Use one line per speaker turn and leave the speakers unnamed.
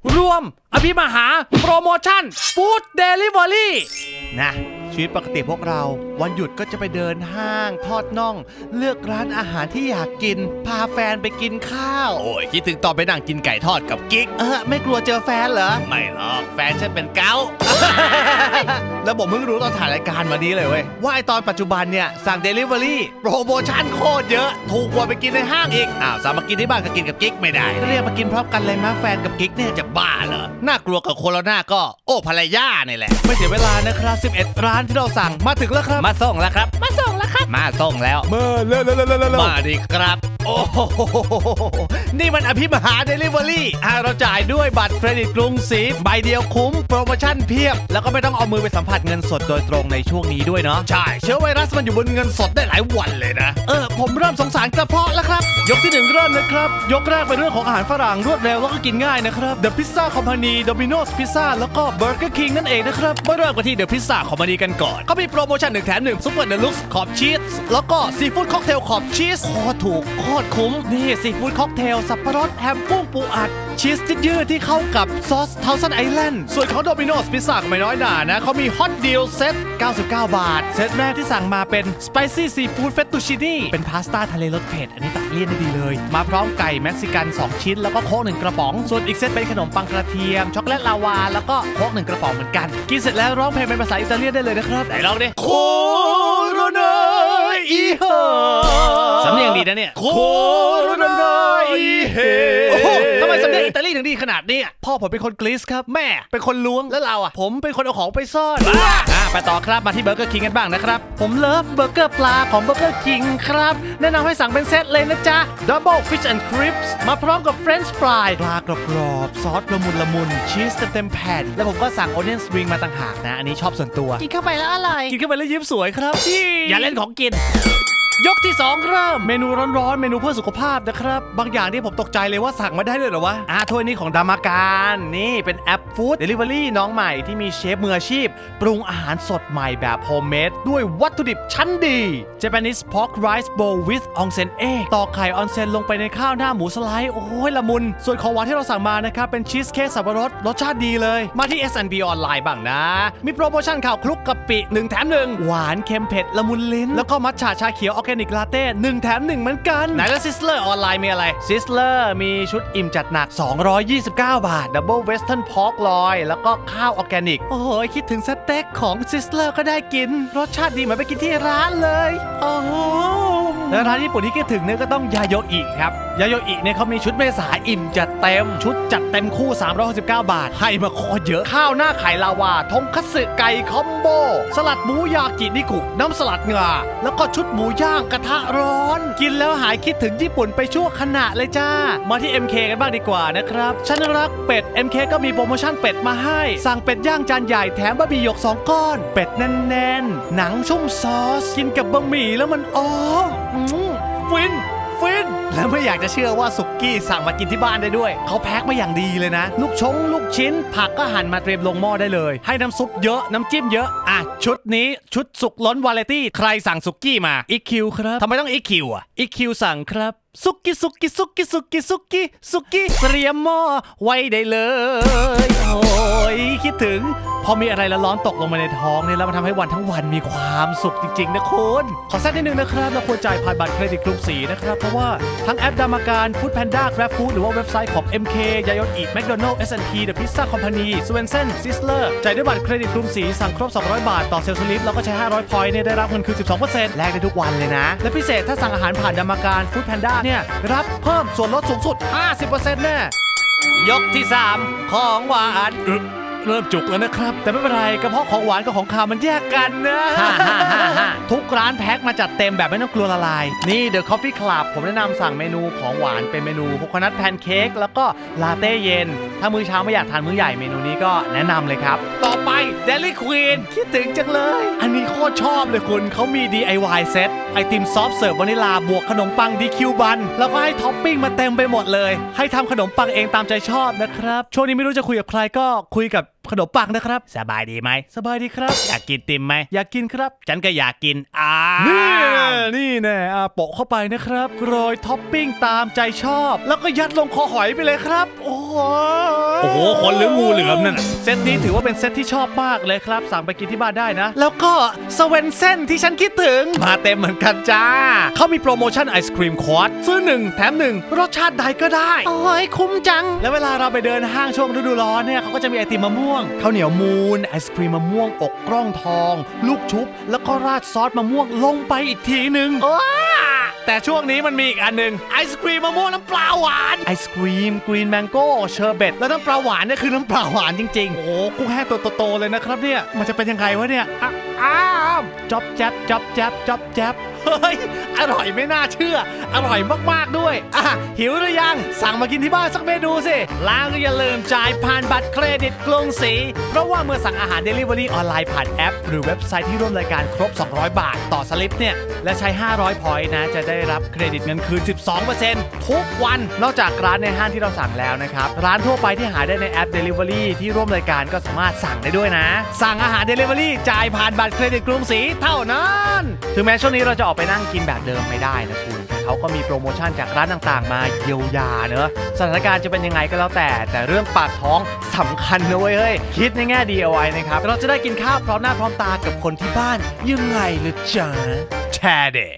รวมอภิมหาโปรโมชั่นฟู้ดเดลิเวอรี่นะชีวิตปกติพวกเราวันหยุดก็จะไปเดินห้างทอดน่องเลือกร้านอาหารที่อยากกินพาแฟนไปกินข้าวโอ้ยคิดถึงตอนไปนั่งกินไก่ทอดกับกิ๊กไม่กลัวเจอแฟนเหรอไม่หรอกแฟนฉันเป็นเกา แล้วผมเพิ่งรู้ตอนถ่ายรายการมานี้เลยเว้ยว่าไอตอนปัจจุบันเนี่ยสั่ง Delivery โปรโมชั่นโคตรเยอะถูกกว่าไปกินในห้างอีกสามมากินที่บ้านก็กินกับกิ๊กไม่ได้เรียกมากินพร้อมกันเลยมาแฟนกับกิ๊กเนี่ยจะบ้าเหรอน่ากลัวกับโคโรนาก็โอ้ภรรยาเนี่ยแหละไม่เสียเวลานะครับ11ร้านที่เราสั่งมาถึงแล้วครับมาส่งแล้วครับมาส่งแล้วครับมาส่งแล้วมาเร็วมาดิครับโอ้โหนี่มันอภิมหา Delivery เราจ่ายด้วยบัตรเครดิตกรุงศรีใบเดียวคุ้มโปรโมชั่นเพียบแล้วก็ไม่ต้องเอามือไปสัมผัสเงินสดโดยตรงในช่วงนี้ด้วยเนาะใช่เชื้อไวรัสมันอยู่บนเงินสดได้หลายวันเลยนะผมเริ่มสงสารกระเพาะแล้วครับยกที่1เริ่มเลยครับยกแรกเป็นเรื่องของอาหารฝรั่งรวดเร็วแล้วก็กินง่ายนะครับ The Pizza Company Domino's Pizza แล้วก็ Burger King นั่นเองนะครับมาเริ่มกันที่ The Pizza Company กันก่อนเขามีโปรโมชั่น1แถม1ซุปเปอร์เดลุกซ์ขอบชีสแล้วก็ซีฟู้ดค็อกเทลขอบชีสโคตรถูกโคตรคุ้มนี่ซีฟู้ดค็อกเทลสับปะรดแฮมกุ้งปูอัดชีสยืดที่เข้ากับซอสเทาซันไอแลนด์ส่วนของ Domino's Pizza ก็ไม่น้อยหน่านะเขามีฮอตดีลเซต99 บาทเซตแรกที่สั่งมาเป็น Spicy Seafood Fettuccine เป็นพาสต้าทะเลรสเผ็ดอันนี้ตัดเลี่ยนได้ดีเลยมาพร้อมไก่เม็กซิกัน2ชิ้นแล้วก็โค้ก1กระป๋องส่วนอีกเซตเป็นขนมปังกระเทียมช็อกโกแลตลาวาแล้วก็โค้ก1กระป๋องเหมือนกันกินเสร็จแล้วร้องเพลงเป็นภาษาอิตาเลียนได้เลยนะครับไหนลองดิโคโรนาอีเฮสำเนียงดีนะเนี่ยโคโรนาอีเฮทำไมสำเนียงอิตาลีถึงดีขนาดนี้พ่อผมเป็นคนกรีซครับแม่เป็นคนล้วงแล้วเราผมเป็นคนเอาของไปซ่อนไปต่อครับมาที่เบอร์เกอร์คิงกันบ้างนะครับผมเลิฟเบอร์เกอร์ปลาของเบอร์เกอร์คิงครับแนะนำให้สั่งเป็นเซตเลยนะจ๊ะ Double Fish and Crisps มาพร้อมกับ French Fry ปลากรอบๆซอสละมุนชีสเต็มแผ่นแล้วผมก็สั่ง Onion Ring มาต่างหากนะอันนี้ชอบส่วนตัวกินเข้าไปแล้วอร่อยกินเข้าไปแล้วยิ้มสวยครับอย่าเล่นของกินยกที่2เริ่มเมนูร้อนๆเมนูเพื่อสุขภาพนะครับบางอย่างที่ผมตกใจเลยว่าสั่งมาได้เลยเหรอวะถ้วยนี้ของดามาการนี่เป็นแอปฟู้ดเดลิเวอรี่น้องใหม่ที่มีเชฟมืออาชีพปรุงอาหารสดใหม่แบบโฮมเมดด้วยวัตถุดิบชั้นดี Japanese Pork Rice Bowl with Onsen Egg ตอกไข่ออนเซ็นลงไปในข้าวหน้าหมูสไลด์โอ้ยละมุนส่วนของหวานที่เราสั่งมานะครับเป็นชีสเค้กสับปะรดรสชาติดีเลยมาที่ S&P ออนไลน์บ้างนะมีโปรโมชั่นข้าวคลุกกะปิ1แถม1หวานเค็มเผ็ดละมุนลิ้นแล้วก็มัทฉะชาเขียวออร์แกนิกลาเต้1แถม1เหมือนกันไหนแล้วซิสเลอร์ออนไลน์มีอะไรซิสเลอร์มีชุดอิ่มจัดหนัก229 บาท Double Western Pork Loin แล้วก็ข้าวออร์แกนิกโอ้โหคิดถึงสเต็กของซิสเลอร์ก็ได้กินรสชาติดีเหมือนไปกินที่ร้านเลยโอ้โหแล้วร้านญี่ปุ่นที่คิดถึงเนี่ยก็ต้องยาโยอิครับยาโยอิเนี่ยเขามีชุดเมษาอิ่มจัดเต็มชุดจัดเต็มคู่369 บาทให้มาโคตรเยอะข้าวหน้าไข่ลาวาทงคัตสึไก่คอมโบสลัดหมูยากินิกุน้ำสลัดงาแล้วก็ชุดหมูย่างกระทะร้อนกินแล้วหายคิดถึงญี่ปุ่นไปชั่วขณะเลยจ้ามาที่ MK กันบ้างดีกว่านะครับฉันรักเป็ด MK ก็มีโปรโมชั่นเป็ดมาให้สั่งเป็ดย่างจานใหญ่แถมบะหมี่หยก2ก้อนเป็ดแน่นๆหนังชุ่มซอสกินกับบะหมี่แล้วมันฟินแล้วไม่อยากจะเชื่อว่าสุกี้สั่งมากินที่บ้านได้ด้วยเขาแพ็คมาอย่างดีเลยนะลูกชิ้นผักก็หั่นมาเตรียมลงหม้อได้เลยให้น้ำซุปเยอะน้ำจิ้มเยอะชุดนี้ชุดสุกล้นวาไรตี้ใครสั่งสุกี้มาอีคิวครับทำไมต้องอีคิวอีคิวสั่งครับสุกี้เตรียมหม้อไว้ได้เลยโอ้ยคิดถึงพอมีอะไรร้อนตกลงมาในท้องเนี่ยแล้วมันทำให้วันทั้งวันมีความสุขจริงๆนะคุณขอแทรกนิดนึงนะครับเราควรจ่ายผ่านบัตรเครดิตกรุงศรีนะครับเพราะว่าทั้งแอปดามาการฟู้ดแพนด้า Grab Food หรือว่าเว็บไซต์ของ MK ยาโยอิ McDonald's S&P The Pizza Company Swensen Sizzler จ่ายด้วยบัตรเครดิตกรุงศรีสั่งครบ200 บาทต่อเซลล์สลิปแล้วก็ใช้500 พอยต์เนี่ยได้รับเงินคืน 12% แลกได้ทุกวันเลยนะและพิเศษถ้าสั่งอาหารผ่านดามาการฟู้ดแพนด้าเนี่ยรับเพิ่มส่วนลดสูงสุด 50% แน่ยกที่3ของหวานเริ่มจุกแล้วนะครับแต่ไม่เป็นไรกระเพาะของหวานกับของคาวมันแยกกันนะทุกร้านแพ็คมาจัดเต็มแบบไม่ต้องกลัวละลายนี่ The Coffee Club ผมแนะนำสั่งเมนูของหวานเป็นเมนูโคโคนัทแพนเค้กแล้วก็ลาเต้เย็นถ้ามื้อเช้าไม่อยากทานมื้อใหญ่เมนูนี้ก็แนะนำเลยครับต่อไป Dairy Queen คิดถึงจังเลยอันนี้โคตรชอบเลยคุณเขามี DIY เซตไอติมซอฟต์เสิร์ฟวานิลาบวกขนมปัง DQ บันแล้วก็ให้ท็อปปิ้งมาเต็มไปหมดเลยให้ทำขนมปังเองตามใจชอบนะครับช่วงนี้ไม่รู้จะคุยกับใครก็คุยกับขนมปังนะครับสบายดีไหมสบายดีครับอยากกินติมไหมอยากกินครับฉันก็อยากกินนี่แน่โปะเข้าไปนะครับโรยท็อปปิ้งตามใจชอบแล้วก็ยัดลงคอหอยไปเลยครับโอ้โหคนหรืองูเหลือมนั่นเซตนี้ถือว่าเป็นเซตที่ชอบมากเลยครับสั่งไปกินที่บ้านได้นะแล้วก็สเวนเซ่นที่ฉันคิดถึงมาเต็มเหมือนกันจ้าเขามีโปรโมชั่นไอศครีมควอตซื้อ1แถม1รสชาติใดก็ได้โอ้ยคุ้มจังแล้วเวลาเราไปเดินห้างช่วงฤดูร้อนเนี่ยเขาก็จะมีไอติมมะม่วงข้าวเหนียวมูนไอศครีมมะม่วงอกกล้องทองลูกชุบแล้วก็ราดซอสมะม่วงลงไปอีกทีนึงแต่ช่วงนี้มันมีอีกอันนึงไอศครีมมะม่วงน้ำปลาหวานไอศครีมกรีนแมงโก้เชอร์เบตแล้วน้ำปลาหวานเนี่ยคือน้ำปลาหวานจริงๆโอ้โหกุ้งแห้งตัวโตๆเลยนะครับเนี่ยมันจะเป็นยังไงวะเนี่ยจ๊อบแจ๊บจ๊อบแจ๊บจ๊อบแจ๊บเฮ้ยอร่อยไม่น่าเชื่ออร่อยมากๆด้วยหิวหรือยังสั่งมากินที่บ้านสักเมนูสิแล้วก็อย่าลืมจ่ายผ่านบัตรเครดิตกรุงศรีเพราะว่าเมื่อสั่งอาหาร Delivery ออนไลน์ผ่านแอปหรือเว็บไซต์ที่ร่วมรายการครบ200 บาทต่อสลิปเนี่ยและใช้500 พอยต์นะจะได้รับเครดิตเงินคืน 12% ทุกวันนอกจากร้านในห้างที่เราสั่งแล้วนะครับร้านทั่วไปที่หาได้ในแอป Delivery ที่ร่วมรายการก็สามารถสั่งได้ด้วยนะสั่งอาหาร Delivery จ่ายผ่านบัตรเครดิตกรุงศรีเท่านั้นถึงแม้ช่วงนี้เราจะออกไปนั่งกินแบบเดิมไม่ได้นะคุณเขาก็มีโปรโมชั่นจากร้านต่างๆมาเยียวยาเนอะสถานการณ์จะเป็นยังไงก็แล้วแต่เรื่องปากท้องสำคัญนะเว้ยเฮ้ยคิดในแง่ดีเอาไว้นะครับเราจะได้กินข้าวพร้อมหน้าพร้อมตากับคนที่บ้านยังไงล่ะจ๊ะแชร์เด